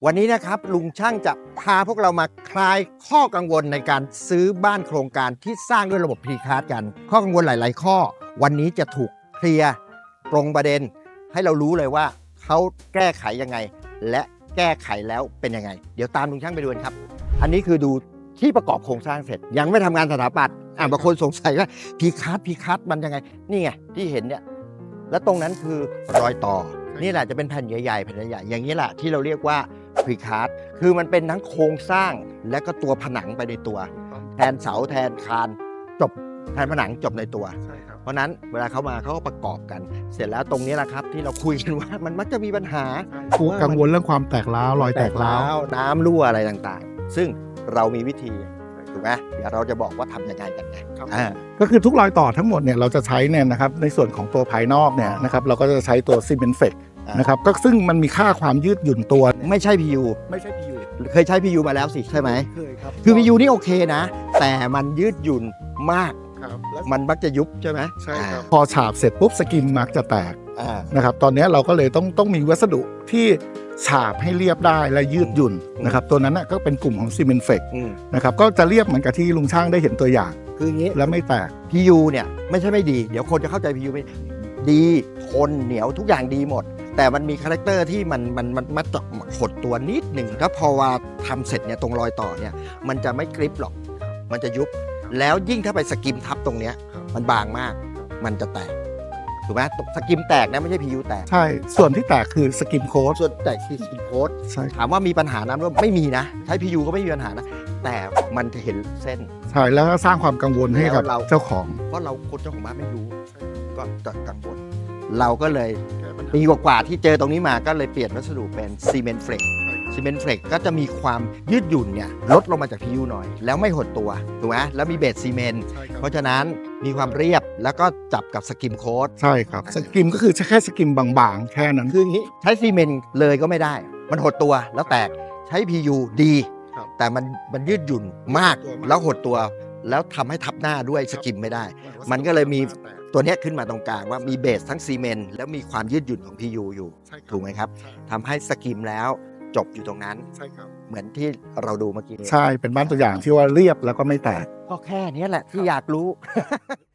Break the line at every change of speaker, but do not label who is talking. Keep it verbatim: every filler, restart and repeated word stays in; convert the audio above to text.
วันนี้นะครับลุงช่างจะพาพวกเรามาคลายข้อกังวลในการซื้อบ้านโครงการที่สร้างด้วยระบบพรีคาสต์กันข้อกังวลหลาย ๆ ข้อวันนี้จะถูกเคลียร์ตรงประเด็นให้เรารู้เลยว่าเขาแก้ไขยังไงและแก้ไขแล้วเป็นยังไงเดี๋ยวตามลุงช่างไปดูกันครับอันนี้คือดูที่ประกอบโครงสร้างเสร็จยังไม่ทำงานสถาปัตย์อ่ะบางคนสงสัยว่าพรีคาสต์พรีคาสต์มันยังไงนี่ไงที่เห็นเนี่ยแล้วตรงนั้นคือรอยต่อนี่แหละจะเป็นแผ่นใหญ่ๆแผ่นใหญ่ๆอย่างนี้แหละที่เราเรียกว่าพรีคาสต์คือมันเป็นทั้งโครงสร้างและก็ตัวผนังไปในตัวแทนเสาแทนคานจบแทนผนังจบในตัวเพราะนั้นเวลาเขามาเขาก็ประกอบกัน เสร็จแล้วตรงนี้แหละครับที่เราคุยกันว่ามันมักจะมีปัญหา
กังวลเรื่องความแตกร้าวรอยแตกร้าว
น้ำรั่วอะไรต่างๆ ซึ่งเรามีวิธีถูกไหมเดี๋ยวเราจะบอกว่าทำยังไงกันไง
ก็คือทุกรอยต่อทั้งหมดเนี่ยเราจะใช้เนี่ยนะครับในส่วนของตัวภายนอกเนี่ยนะครับเราก็จะใช้ตัวซีเมนต์เฟกนะครับก็ซึ่งมันมีค่าความยืดหยุ่นตัว
ไม่ใช่ พี ยู
ไม่ใช่ พี ยู
เคยใช้ พี ยู มาแล้วสิใช่ไหม
เคยครับ
คือ พี ยู นี่โอเคนะ แต่มันยืดหยุ่นมาก
ครับ
มันมักจะยุบใช่ไหม
ใช่ครับพอฉาบเสร็จปุ๊บสกินมักจะแตก
อ่า
นะครับตอนนี้เราก็เลยต้องต้องมีวัสดุที่ฉาบให้เรียบได้และยืดหยุ่นนะครับตัวนั้นก็เป็นกลุ่มของซีเมนต์เฟก
อืม
นะครับก็จะเรียบเหมือนกับที่ลุงช่างได้เห็นตัวอย่าง
คืออย่างนี้
และไม่แตก
พี ยู เนี่ยไม่ใช่ไม่ดีเดี๋ยวคนจะเข้าใจ พี ยู ไม่ดีทนเหนียวทุกอย่างดีหมด แต่มันมีคาแรคเตอร์ที่มันมันมันมันจะหดตัวนิดหนึ่งแล้วพอว่าทำเสร็จเนี่ยตรงรอยต่อเนี่ยมันจะไม่กริปหรอกมันจะยุบแล้วยิ่งถ้าไปสกิมทับตรงเนี้ยมันบางมากมันจะแตกถูกไหมสกิมแตกนะไม่ใช่ พี ยู แตก
ใช่ส่วนที่แตกคือสกินโค้ด
ส่วนแตกคือสกิมโค้ด
ใช่
ถามว่ามีปัญหาน้ำรั่วไม่มีนะใช้ พี ยู ก็ไม่มีปัญหานะแต่มันจะเห็นเส้น
ใช่แล้วก็สร้างความกังวลให้กับ
แล้วเรา
เจ้าของ
เพราะเราคนเจ้าของบ้านไม่รู้ก็จะกังวลเราก็เลยปีกว่าๆที่เจอตรงนี้มาก็เลยเปลี่ยนวัสดุเป็นซีเมนต์เฟลกซีเมนต์เฟลกก็จะมีความยืดหยุ่นเนี่ยลดลงมาจาก พี ยู หน่อย แล้วไม่หดตัวถูกไหมแล้วมีเบสซีเมนต์เพราะฉะนั้นมีความเรียบแล้วก็จับกับสกิมโค้ด
ใช่ครับสกิมก็คือแค่สกิมบางๆ แค่นั้น
คืออย่างนี้ใช้ซีเมนต์เลยก็ไม่ได้ มันหดตัวแล้วแตกใช้ พี ยู ดี
ครับ
แต่มันมันยืดหยุ่นมากแล้วหดตัวแล้วทำให้ทับหน้าด้วยสกิมไม่ได้ มันก็เลยมีตัวเนี้ยขึ้นมาตรงกลางว่ามีเบสทั้งซีเมนต์แล้วมีความยืดหยุ่นของ พี ยู อยู่ ถูกไหมครับทำให้สกิมแล้วจบอยู่ตรงนั้น
ใช่ครับ
เหมือนที่เราดูเมื่อกี้
ใช่เป็นบ้านตัวอย่างที่ว่าเรียบแล้วก็ไม่แตก
ก็แค่นี้แหละที่อยากรู้